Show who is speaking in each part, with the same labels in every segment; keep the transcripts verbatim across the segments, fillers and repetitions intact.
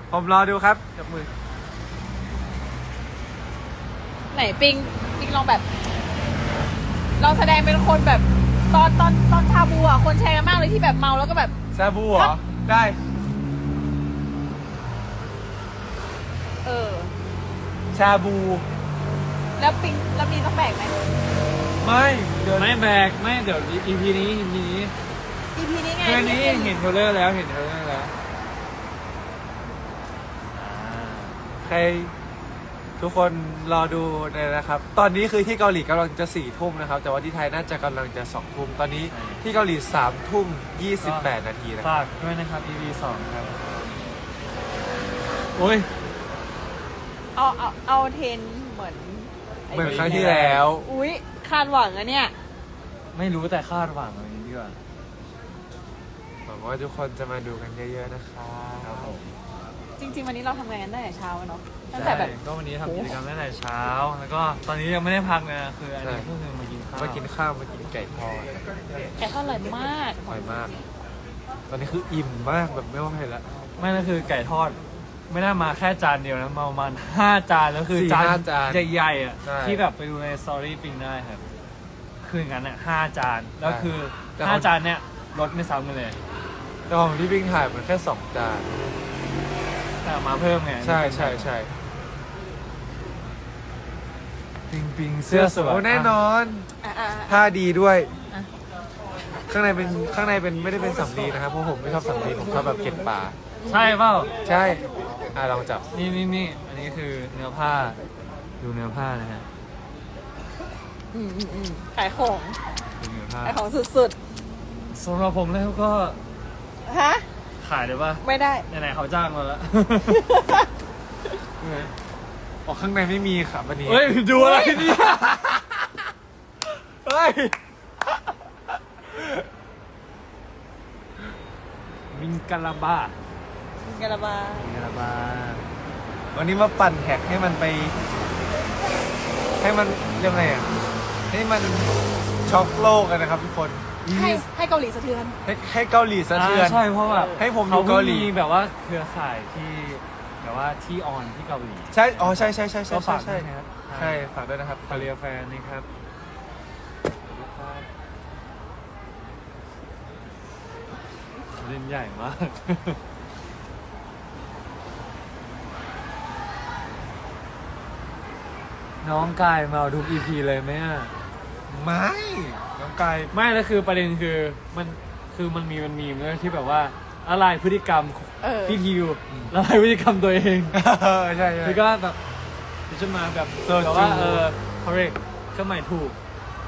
Speaker 1: ผมรอดูครับจับมือ
Speaker 2: ไหนปิงปิงลองแบบลองแสดงเป็นคนแบบตอนตอนตอนชาบูอ่ะคนแชร์กันมากเลยที่แบบเมาแล้วก็แบบ
Speaker 1: ชาบูเหรอได้
Speaker 2: เออ
Speaker 1: ชาบู
Speaker 2: แล้วปิงแล้วมีต้องแบกไหม
Speaker 1: ไม่เดี๋ยว
Speaker 3: ไม่แบกไม่เดี๋ยว อี พี นี้ อี พี นี้
Speaker 2: อีพีนี้ไง
Speaker 3: เพื่อนนี้เห็นเทรลเลอร์แล้วเห็นเทรลเลอร์แล้ว
Speaker 1: ใครทุกคนรอดูเลยนะครับตอนนี้คือที่เกาหลีกำลังจะสี่ทุ่มนะครับแต่ว่าที่ไทยน่าจะกำลังจะสองทุ่มตอนนี้ที่เกาหลีสามทุ่มยี่สิบแปดนาทีนะ
Speaker 3: ฝากด้วยนะครับ อี พี สองครับโอ้ย
Speaker 2: เอาเอาเอาเทนเหมือน
Speaker 1: เหมือนครั้งที่แล้ว
Speaker 2: อุ๊ยคาดหวังอะเนี่ย
Speaker 3: ไม่รู้แต่คาดหวังอะไรนี้ดีกว่า
Speaker 1: หวังว่าทุกคนจะมาดูกันเยอะๆนะครับผม
Speaker 2: จริงๆวันนี้เราทำงานกันตั้งแต่เช้าเนาะตั้งแต่แบบ
Speaker 3: ก็วันนี้ทำกิจกรรมตั้งแต่เช้าแล้วก็ตอนนี้ยังไม่ได้พักนะคืออันนี้ก็คือมากินข้าว
Speaker 1: มากินข้าวมากินไก่ทอด
Speaker 2: แกก็อร่อยมาก
Speaker 1: อร่อยมากตอนนี้คืออิ่มมากแบบไม่ไหวแล้ว
Speaker 3: ไม่ก็คือไก่ทอดไม่ได้มาแค่จานเดียวนะมาประมาณห้าจานแล้วคือจานใหญ่ๆอ่ะที่แบบไปดูในสตอรี่ปิงได้ครับคืออย่างนั้นอ่ะห้าจานแล้วคือห้าจานเนี้ยลดไม่ซ้ำกันเลย
Speaker 1: แต่ของที่ปิงถ่ายมันแค่สองจาน
Speaker 3: แต่มาเพิ่มไง
Speaker 1: ใช่ใช่ใช่
Speaker 3: ปิงปิงเสื้อสวย
Speaker 1: แน่นอนผ้าดีด้วยข้างในเป็นข้างในเป็นไม่ได้เป็นสำลีนะครับเพราะผมไม่ชอบสำลีผมชอบแบบเก็บปลา
Speaker 3: ใช่เปล่า
Speaker 1: ใช่อ่ะลองจับ
Speaker 3: นี่นี่นี่อันนี้คือเนื้อผ้าดูเนื้อผ้านะฮะ
Speaker 2: อืมอืมอืมขายของ
Speaker 3: ดูเนื้อผ้า
Speaker 2: ขายของสุด
Speaker 3: ๆสำหรับผมแล้วก็
Speaker 2: ฮะ
Speaker 3: ขายได้ปะ
Speaker 2: ไม่ได้
Speaker 3: ไหนๆเขาจ้างมาแล้ว
Speaker 1: ออกข้างในไม่มีครับวันนี้
Speaker 3: เฮ้ยดูอะไรนี่เฮ้ยมิงกาลาบา
Speaker 2: มิงกาลาบา
Speaker 1: มิงกาลาบาวันนี้มาปั่นแท็กให้มันไปให้มันเรียกไงอ่ะให้มันช็อกโลกกันนะครับทุกคน
Speaker 2: ให้ให้เกาหลีสะเทือน
Speaker 1: ให้ให้เกาหลีสะเทือน
Speaker 3: ใช่เพราะแบบ
Speaker 1: ให้ผมอยู่เกาหลี
Speaker 3: แบบว่าเครือข่ายที่แบบว่าที่ออนที่เกาหลี
Speaker 1: ใช่อ๋อใช่ใช่ใช่ใช่
Speaker 3: ใช่
Speaker 1: ใช่ใช่ฝากด้วยนะครับ
Speaker 3: คาเรียแฟนนี่ครับเล่นใหญ่มากน้องกายมาทุก อี พี เลยไหมอ่ะ
Speaker 1: ไม่น้องกาย
Speaker 3: ไม่แล้วคือประเด็นคือมันคือมันมีมันมีเมื่อที่แบบว่าอะไรพฤติกรรมพี่ทิวละลายพฤติกรรมตัวเอง
Speaker 1: ใช่ใช่
Speaker 3: แล้วก็แบบจะมาแบบแต่ว่าเออ correct เครื่องหมายถูก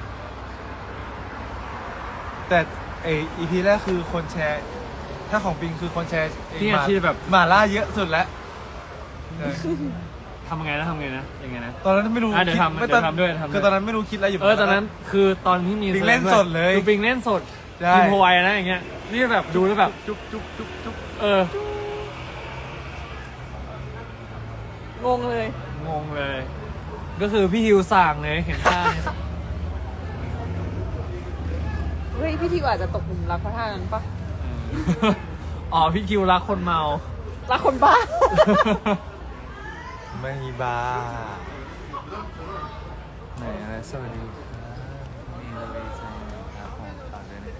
Speaker 1: แต่ไอ อี พี แรกคือคนแชร์ถ้าของปิงคือคนแชร์
Speaker 3: ที่ที่แบบ
Speaker 1: มาล่าเยอะสุดแล้ว
Speaker 3: ทำไงนะทำไงนะยังไงนะ
Speaker 1: ตอนนั้นไม่รู้
Speaker 3: เดี๋ยวทำเดี๋ยวทำด้วยทำ
Speaker 1: คือตอนนั้นไม่รู้คิดอะไรอยู่
Speaker 3: เออตอนนั้นคือตอนที่มี
Speaker 1: ปิงเล่นสดเลย
Speaker 3: คือปิงเล่นสดกินโพไวนะอย่างเงี้ยนี่แบบดูแล้วแบบจุ๊บจุ๊บจุ๊บจุ๊บเออง
Speaker 2: งเลย
Speaker 3: งงเลยก็คือพี่ฮิวสั่งเลยเห็นท่าเนี่ย
Speaker 2: เฮ้ยพี่ทิวอาจจะตกหลุมรักเพราะท่านั้นปะ
Speaker 3: อ๋อพี่คิวรักคนเมา
Speaker 2: รักคนบ้า
Speaker 1: ไม่บ้าไหนอะไรสวัสดี
Speaker 3: มีเลยใช่ครับผมฝากด้วย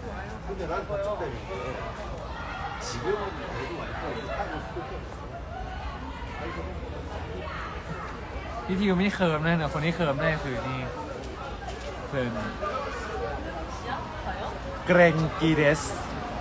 Speaker 3: นะครับพี่ทิวไม่เคิร์มเลยนะคนที่เคิร์มได้คือนี่เคิร์ม
Speaker 1: เกรงกีเดส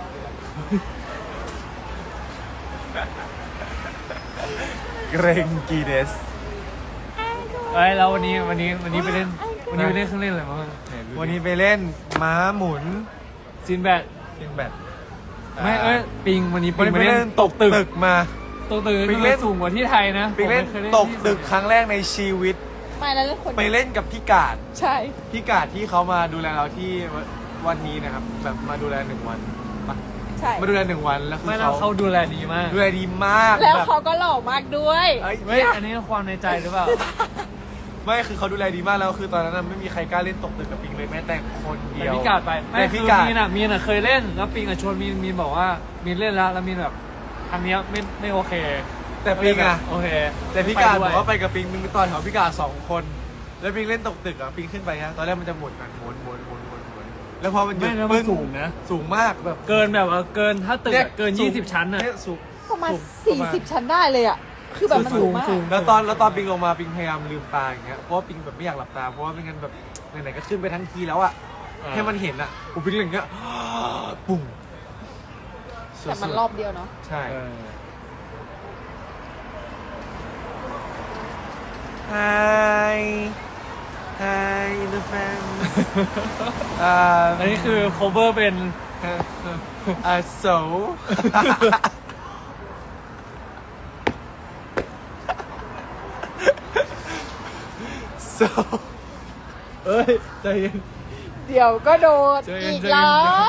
Speaker 1: เกรงกีเดส
Speaker 3: เอ้ยแล้ววันนี้วันนี้วันนี้ไปเล่นวันนี้ไปเล่นเครื่องเล่นอะไรบ้าง
Speaker 1: วันนี้ไปเล่นม้าหมุน
Speaker 3: ซินแบด
Speaker 1: ซินแบด
Speaker 3: ไม่เอ้ยปิงวันนี้ปิง
Speaker 1: ไปเล่นตกตึกมา
Speaker 3: ตกตึกปิงเล่นสูงกว่าที่ไทยนะ
Speaker 1: ปิงเล่นตกตึกครั้งแรกในชีวิต
Speaker 2: ไม่แล้วคน
Speaker 1: ไปเล่นกับพี่กาด
Speaker 2: ใช่
Speaker 1: พี่กาดที่เขามาดูแลเราที่วันนี้นะครับแบบมาดูแลหนึ่งวัน
Speaker 2: ใช่
Speaker 1: มาดูแลหนึ่งวันแล้วคือ
Speaker 3: เขาเขาดูแลดีมาก
Speaker 1: ดูแลดีมาก
Speaker 2: แล้วเขาก็หล่อมากด้วย
Speaker 3: เฮ้ยอันนี้ความในใจหรือเปล่า
Speaker 1: ไม่คือเขาดูแลดีมากแล้วคือตอนนั้นไม่มีใครกล้าเล่นตกตึกกับปิงเลยแม้แต่คนเดียว
Speaker 3: พี่กาดไปไม่พี่กาดมีนอ่ะมีนอ่ะเคยเล่นแล้วปิงอ่ะชวนมีนมีนบอกว่ามีนเล่นแล้วแล้วมีนแบบทางนี้ไม่ไม่โอเค
Speaker 1: แต่ปิงอะ
Speaker 3: โอเค
Speaker 1: แต่พี่การ
Speaker 3: ไป
Speaker 1: บ
Speaker 3: ด้
Speaker 1: อ
Speaker 3: วย
Speaker 1: กว่าไปกับปิงปิงตอนแถวพี่การสองคน แล้วปิงเล่นตกตึกอะปิงขึ้นไปฮะตอนแรกมันจะหมุนกันหมุนหมุนหมุนหมุนหมุนแล้วพอมันหยุ
Speaker 3: ไม่
Speaker 1: ด
Speaker 3: แล้วมั
Speaker 1: ปึ้
Speaker 3: น
Speaker 1: ง
Speaker 3: สูงนะ
Speaker 1: สูงมากแบบ
Speaker 3: เกินแบบว่าเกินถ้าตึก
Speaker 1: เนี่ย
Speaker 3: อะเกิน
Speaker 1: สูง
Speaker 3: ยี่สิบชั้นอะ
Speaker 1: เนี่ยสูง
Speaker 2: ประมาณ
Speaker 1: สูง
Speaker 2: สี่
Speaker 1: ประมาณ
Speaker 2: สิบชั้นได้เลยอ่ะ คือแบบมันสูงมาก
Speaker 1: แล้วตอนแล้วตอนปิงลงมาปิงพยายามลืมตาอย่างเงี้ยเพราะว่าปิงแบบไม่อยากหลับตาเพราะว่าไม่งั้นแบบไหนๆก็ขึ้นไปทั้งทีแล้วอะให้มันเห็นอะผมปิงอย่างเงี้ยปุ่ง
Speaker 2: แต่มันรอบเดียวเนาะ
Speaker 1: ใช่
Speaker 3: เออ
Speaker 1: Hi Hi the fans อ่า
Speaker 3: อันนี้คือ cover เป็น
Speaker 1: อ่า so โซเอ้ยใจเย็น
Speaker 2: เดี๋ยวก็โดด
Speaker 1: ใจเย็น
Speaker 2: อีก
Speaker 1: ใจเย็น
Speaker 2: แล้ว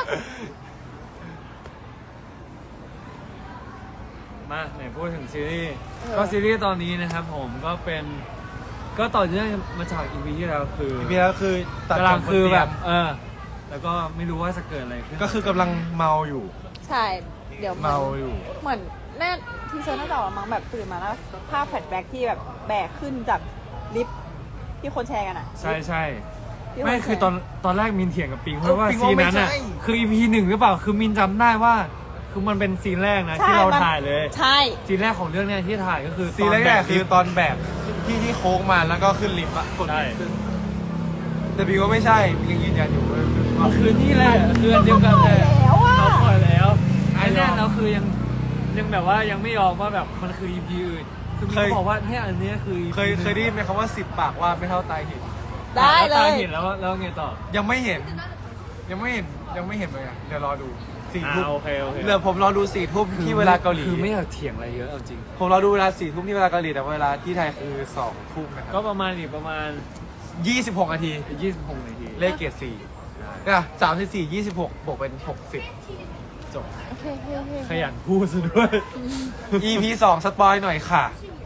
Speaker 3: มาไหนพูดถึงซีรีส์ก็ซีรีส์ตอนนี้นะครับผมก็เป็นก็ต่อเนื่องมาจากอีพีที่แล้วคือ
Speaker 1: มีแล้วคือตัด
Speaker 3: กำลัง
Speaker 1: จบ
Speaker 3: คือแบบ
Speaker 1: นเตียง
Speaker 3: เออ แล้วก็ไม่รู้ว่าจะเกิดอะไรขึ้น
Speaker 1: ก็คือกำลังเมาอยู่
Speaker 2: ใช่ เดี๋ยว
Speaker 1: เมาอยู่
Speaker 2: เหมือนแน่ทีเซอร์น่าจะออกมามั้งแบบตื่นมาแล้วภาพแฟลชแบ็กที่แบบแบกขึ้นจากลิฟต์ที่คนแชร์กันอ่ะ
Speaker 3: ใช่ใช่
Speaker 2: ที่น
Speaker 3: ไม่
Speaker 2: แชร์
Speaker 3: คือตอนตอนแรกมินเถียงกับปิงเพราะว่า
Speaker 1: ปิง
Speaker 3: ซี
Speaker 1: ว่าน ไม่
Speaker 3: นั้นอ่ะ
Speaker 1: ใช่
Speaker 3: คืออีพีหนึ่งหรือเปล่าคือมินจำได้ว่า คือมันเป็นซีนแรกนะ
Speaker 2: ใช่
Speaker 3: ที่เรา
Speaker 2: มัน
Speaker 3: ถ่ายเลย
Speaker 2: ใช่
Speaker 3: ซีนแรกของเรื่องเนี้ยที่ถ่ายก็คือ
Speaker 1: ซีนแร
Speaker 3: ต
Speaker 1: ก
Speaker 3: บ
Speaker 1: ๆคือตอนแบกที่ที่โค้งมาแล้วก็ขึ้นลิฟต์อะกด
Speaker 3: ใช่
Speaker 1: ลิฟต์ขึ้นแต่บีว่าไม่ใช่บียังยืนยันอยู่ว่า
Speaker 3: มันคือนี่แหละคืออันเดียวกันเลย
Speaker 2: แล้วอ่ะ
Speaker 3: เราปล่อยแล้วไอ้เนี่ย
Speaker 1: ยอม
Speaker 3: เราคือยังยังแบบว่ายังไม่ยอมว่าแบบมันคือ อี พี อื่นคือมี
Speaker 1: เคย
Speaker 3: เขาบอกว่าเนี่ยอันเนี้ยคือ EP
Speaker 1: เคยเคยได้ยินไหมคำว่าสิบปากว่าไม่เท่าตายเห็น
Speaker 2: ได้เล
Speaker 3: แวย ตาเห็นแล้วแล้วไงต่อ
Speaker 1: ยังไม่เห็น ยังไม่เห็นยังไม่เห็นเลยอะเดี๋ยวรอดูสี่
Speaker 3: อ่า
Speaker 1: ทุ่ม
Speaker 3: โอเคโอเค
Speaker 1: เดี๋ยวผมรอดูสี่ทุ่มที่เวลาเกาหลี
Speaker 3: คือไม่อยากเถียงอะไรเยอะเอาจริง
Speaker 1: ผมรอดูเวลาสี่ทุ่มที่เวลาเกาหลีแต่เวลาที่ไทยคือสองทุ่มนะค
Speaker 3: ก็
Speaker 1: รับ
Speaker 3: ประมาณอีกประมาณ
Speaker 1: ยี่สิบหกนาที
Speaker 3: ยี่สิบหกนาที
Speaker 1: เลขเกียรติสี่อ่ะสามสิบสี่ยี่สิบหกบวกเป็นหกสิบจบ
Speaker 2: โอเคโอเคโอเค
Speaker 3: ขยันพูดซะด้วย
Speaker 1: อี พี สองสปอยหน่อยค่ะ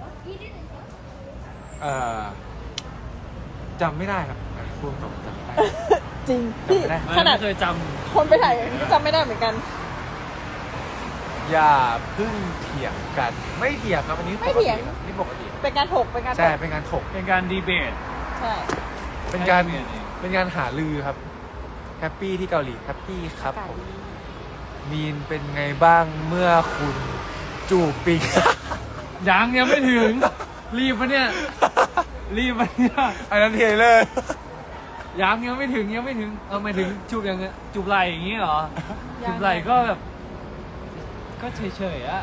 Speaker 1: เอ่อจำไม่ได้ครับพูดตรงๆจำไม่ได้
Speaker 2: จริงพี่
Speaker 1: จำไม่ได้
Speaker 2: ขนาด
Speaker 3: ไม่เคยจ
Speaker 2: คนไปถ่ายก็จำไม่ได้เหมือนกัน
Speaker 1: อย่าเพึ่งเถียงกัน ไม่เถียงครับอันนี้ป
Speaker 2: ไม่
Speaker 1: ก
Speaker 2: เถี
Speaker 1: ติ
Speaker 2: ยง
Speaker 1: ครับนี่ปกติ
Speaker 2: เป็นการถกเป็นการถ
Speaker 1: ใช่
Speaker 2: ก
Speaker 1: เป็นการถก
Speaker 3: ำเป็นการดีเบต
Speaker 2: ใช่
Speaker 1: เป็นการ
Speaker 3: ให้เปลี่ยนเอง
Speaker 1: เป็นการหาลือครับแฮปปี้ที่เกาหลีแฮปปี้ครับ
Speaker 2: ไก่
Speaker 1: ผมมีนเป็นไงบ้างเมื่อคุณจูบปิง
Speaker 3: ยังยังไม่ถึง รีบปะเนี่ย รีบปะเนี่ย
Speaker 1: อันนั้นเทเลอร์
Speaker 3: ยังยังไม่ถึงยังไม่ถึงเออหมายถึงจูบยังไงจูบไหล่อย่างงี้เหรอจูบไหล่ก็แบบ ก็เฉยๆอะ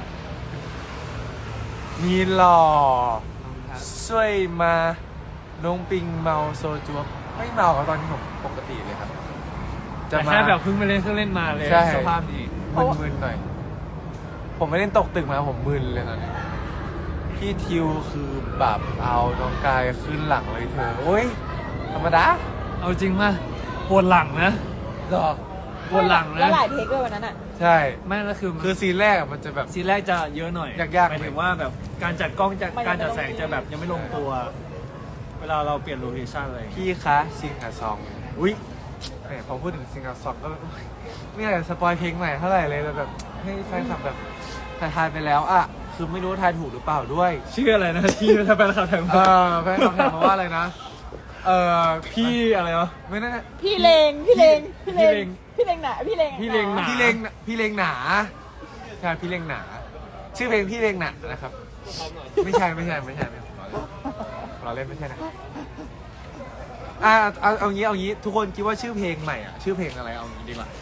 Speaker 1: มีนหล่อ
Speaker 3: ครับ
Speaker 1: ช่วยมาน้องปิงเมาโซจูบไม่เมาครับตอนนี้ผมปกติเลยครับ จะ
Speaker 3: แต่
Speaker 1: มา
Speaker 3: แค่แบบเพิ่งไปเล่นเครื่องเล่นมาเลย
Speaker 1: ใช่
Speaker 3: สภาพดี
Speaker 1: มึนๆหน่อย ผมไม่เล่นตกตึกมาผมมึนเลยตอนนี้ พี่ทิวคือแบบเอาน้องกายขึ้นหลังเลยเธอโอ้ยธรรมดา
Speaker 3: เอาจริงมาปวดหลังนะ
Speaker 1: หรอ
Speaker 3: ปวดหลัง
Speaker 2: แล้
Speaker 3: นะ
Speaker 2: วหลายเทคด้วยวันนั้นอ่ะ
Speaker 1: ใช่
Speaker 3: ไม่แล้วคือ
Speaker 1: คือซีนแรกอะมันจะแบบ
Speaker 3: ซีนแรกจะเยอะหน่อย
Speaker 1: ยากๆ
Speaker 3: หมายถึงว่าแบบการจัดกล้องจะ
Speaker 2: มันยัง
Speaker 3: การจัด
Speaker 2: ไม่ลง
Speaker 3: แสงจะแบบยังไม่ลงตัว เวลาเราเปลี่ยนโลเคชั่นอะไรอย่างเงี้ย
Speaker 1: พี่คะซิงกับซอง อุ้ยแหมพอพูดถึงซิงกับซองก็ไม่อยากจะสปอยเพลงใหม่เท่าไหร่เลยแต่แบบให้แฟนคลับแบบทายทายไปแล้วอะคือไม่รู้ว่าทายถูกหรือเปล่าด้วย
Speaker 3: ชื่ออะไรนะที่ถ้าเป็นข่าวแทง
Speaker 1: เออแฟนคลับถามมาว่าอะไรนะ เออ
Speaker 3: พี่อะไรวะ
Speaker 1: ไม่นั่น
Speaker 2: พี่เลงพี่เลงพี่เล
Speaker 3: พี่เล
Speaker 2: ง
Speaker 3: ง
Speaker 2: พี่เลงหนาพี่เลง
Speaker 3: พี่เลงหนา
Speaker 1: พี่เลงพี่เลงหนาใช่พี่เลงหนา ชื่อเพลงพี่เลงหนานะครับ ไม่ใช่ไม่ใช่ไม่ใช่ไม่ใช่เราเล่นไม่ใช่นะอ่าเอาเอางี้เอางี้ทุกคนคิดว่าชื่อเพลงใหม่อ่ะชื่อเพลงอะไรเอางี้ดีกว่า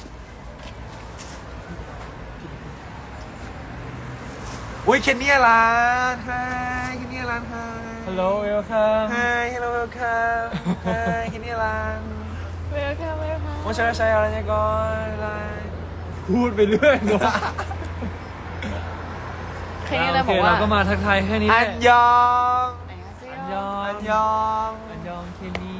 Speaker 1: อุ้ยเคนเนียร้านไฮเคนเนียร้านไฮ
Speaker 3: ฮัลโหลเวลคัม
Speaker 1: ไฮฮัลโหลเวลคัมไฮเคนเนียร้าน
Speaker 2: เวลคัมเวลคัม
Speaker 1: ว่าใช้ใช้อะไรเนี่ยก่อนอะไร
Speaker 3: พูดไปเรื่อยเนอะ
Speaker 2: เคยเลย
Speaker 3: โอบ เค
Speaker 2: อกว่า
Speaker 3: เราก็มาทักทายแค่นี้แห
Speaker 1: อั
Speaker 3: ละ
Speaker 1: นยอง
Speaker 3: อันยอง
Speaker 1: อันยอง
Speaker 3: อันยองเคนี่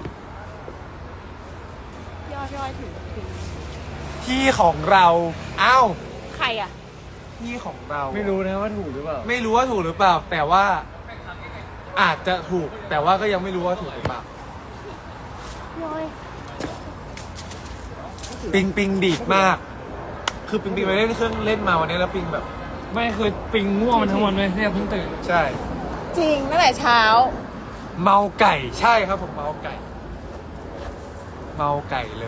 Speaker 2: ย่อย่อยถึงถึง
Speaker 1: ที่ของเราอ้าว
Speaker 2: ใครอ่ะ
Speaker 1: ที่ของเรา
Speaker 3: ไม่รู้นะว่าถูกหรือเปล่า
Speaker 1: ไม่รู้ว่าถูกหรือเปล่า แต่ว่าอาจจะถูก แต่ว่าก็ยังไม่รู้ว่าถูกหรือเปล่า
Speaker 2: ย่อย
Speaker 1: ปิงปิงดีดมาก คือปิงปิงไปเล่นเครื่องเล่นมาวันนี้แล้วปิงแบบ
Speaker 3: ไม่คือปิงง่วงมันทั้งวันเลยเนี่ยเพิ่งตื่น
Speaker 1: ใช่
Speaker 2: จริงตั้งแต่เช้า
Speaker 1: เมาไก่ใช่ครับผมเมาไก่ เมาไก่เลย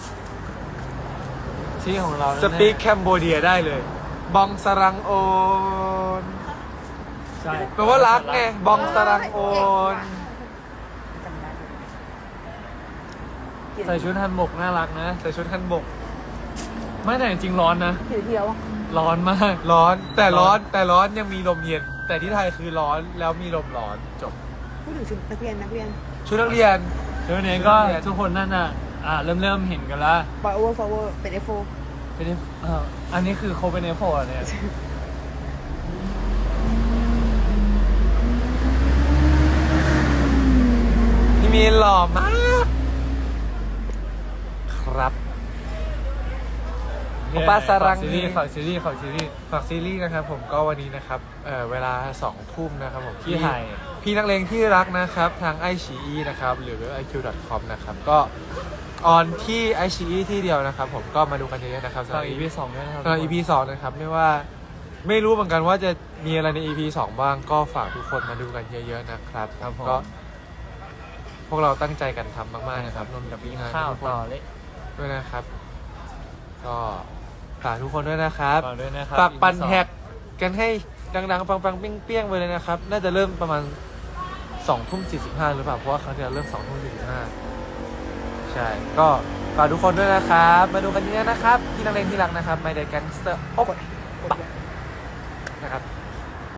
Speaker 3: ที่ของเรา
Speaker 1: สปีกแคมโบเดียได้เลย บองสรังโอน
Speaker 3: ใช่
Speaker 1: แปลว่ารักไงบองสรังโอน
Speaker 3: ใส่ชุดฮันบกน่ารักนะ
Speaker 1: ใส่ชุดฮันบก
Speaker 3: ไม่แต่จริงๆร้อนนะ
Speaker 2: ผิวเทียว
Speaker 3: ร้อนมาก
Speaker 1: ร้อนแต่ร้อนแต่ร้อนยังมีลมเย็น แต่ที่ไทยคือร้อนแล้วมีลมร้อนจบ
Speaker 4: พูดถึงชุดนักเรียนนักเรียน
Speaker 1: ชุดนักเรียน
Speaker 3: เดี๋ยวนี้ก็ทุกคนนั่นน่ะอ่าเริ่มเริ่มเห็นกันละ
Speaker 4: ปล่อยโอเวอร์ฟอร์เวอร์เป็นเอฟโฟ
Speaker 3: เป็น F เอ่ออันนี้คือโคเป็นเอฟโฟเนี่ย
Speaker 1: พี่มีนหล่อมาก ครับ โอป้าสรัง
Speaker 3: ฝากซีรีส์ฝากซีรีส์ฝากซีรีส์
Speaker 1: ฝากซีรีส์นะครับผมก็วันนี้นะครับเอ่อเวลาสองทุ่มนะครับผม
Speaker 3: ที่ไทย
Speaker 1: พี่นักเลงที่รักนะครับทางไอชีอีนะครับหรือเว็บ ไอ คิว ดอท คอม นะครับก็ออนที่ ไอ ซี อี ที่เดียวนะครับผมก็มาดูกันเยอะๆนะครับ
Speaker 3: ฝาก อี พี สองด้วยนะครับ
Speaker 1: สำหรับ อี พี สองนะครับไม่ว่าไม่รู้เหมือนกันว่าจะมีอะไรใน อี พี สองบ้างก็ฝากทุกคนมาดูกันเยอะๆนะครับ
Speaker 3: ครับผม
Speaker 1: ก็พวกเราตั้งใจกันทำมากๆนะครับรวม
Speaker 3: กับ
Speaker 1: ถึ
Speaker 3: กิ
Speaker 1: ง
Speaker 3: น
Speaker 1: งาน
Speaker 3: ข้าว
Speaker 1: ทุกค
Speaker 3: ต่อน เลย
Speaker 1: ด้วยนะครับ ก็ฝากทุกคนด้วยนะครับ
Speaker 3: ฝากด้วยนะครับ
Speaker 1: ฝากปั่น
Speaker 3: อี พีสอง
Speaker 1: แท็กกันให้ดังๆปังๆเปี้ยงๆไปเลยนะครับ น่าจะเริ่มประมาณสองทุ่มสี่สิบห้าหรือเปล่าเพราะว่าครั้งที่แล้วเริ่มสองทุ่มสี่สิบห้าใช่ก็ฝากทุกคนด้วยนะครับ มาดูกันเยอะๆนะครับที่นักเลงที่รักนะครับ My Day Gangster โอ๊บนะครับ